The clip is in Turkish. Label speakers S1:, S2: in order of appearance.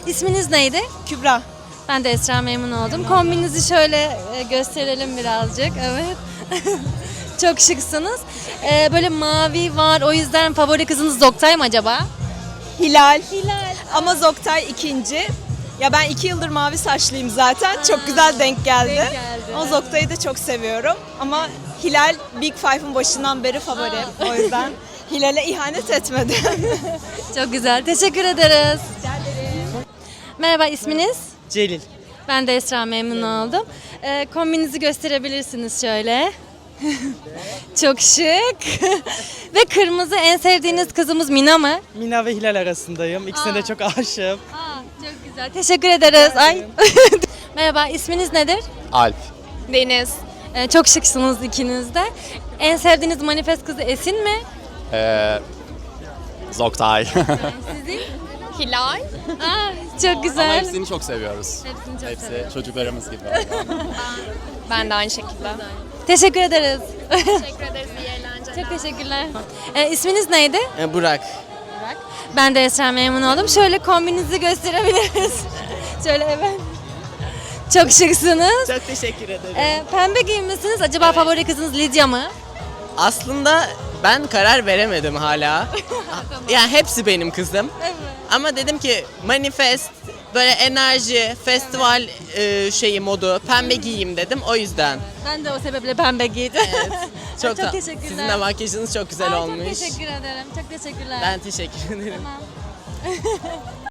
S1: İsminiz neydi?
S2: Kübra.
S1: Ben de Esra, memnun oldum. Kombinizi şöyle gösterelim birazcık. Evet. Çok şıksınız. Böyle mavi var. O yüzden favori kızınız Zoktay mı acaba?
S2: Hilal.
S1: Hilal.
S2: Ama Zoktay ikinci. Ya ben 2 yıldır mavi saçlıyım zaten. Çok güzel denk geldi.
S1: denk geldi.
S2: Ama Zoktay'ı da çok seviyorum. Ama Hilal Big Five'ın başından beri favorim. O yüzden Hilal'e ihanet etmedim.
S1: Çok güzel. Teşekkür ederiz. Merhaba, isminiz?
S3: Celil.
S1: Ben de Esra, memnun oldum. Kombinizi gösterebilirsiniz şöyle. Çok şık. Ve kırmızı, en sevdiğiniz kızımız Mina mı?
S3: Mina ve Hilal arasındayım. İkisine de çok aşığım.
S1: Çok güzel. Teşekkür ederiz. Ay. Merhaba, isminiz nedir?
S4: Alp.
S1: Deniz. Çok şıksınız ikiniz de. En sevdiğiniz manifest kızı Esin mi?
S4: Zoktay.
S1: Sizin?
S5: Hilal.
S1: Çok
S4: Ama
S1: güzel.
S4: hepsini çok seviyoruz.
S1: Hepsini çok
S4: Hepsi
S1: seviyorum.
S4: çocuklarımız gibi.
S5: Ben de aynı şekilde.
S1: Teşekkür ederiz.
S5: Teşekkür ederiz. İyi eğlenceler.
S1: Çok teşekkürler. İsminiz neydi?
S3: Burak.
S1: Ben de Esra, memnun oldum. Şöyle kombinizi gösterebiliriz. Şöyle evet. Çok şıksınız.
S3: Çok teşekkür ederim.
S1: Pembe giyinmişsiniz. Acaba favori kızınız Lidya mı?
S6: Aslında ben karar veremedim hala. Yani hepsi benim kızım.
S1: Evet.
S6: Ama dedim ki manifest, böyle enerji, festival şeyi modu, pembe giyeyim dedim o yüzden.
S1: Ben de o sebeple pembe giydim.
S6: Çok,
S1: Çok teşekkürler.
S6: Sizin de makyajınız çok güzel olmuş.
S1: Çok teşekkür ederim. Çok teşekkürler.
S6: Ben teşekkür ederim.
S1: Tamam.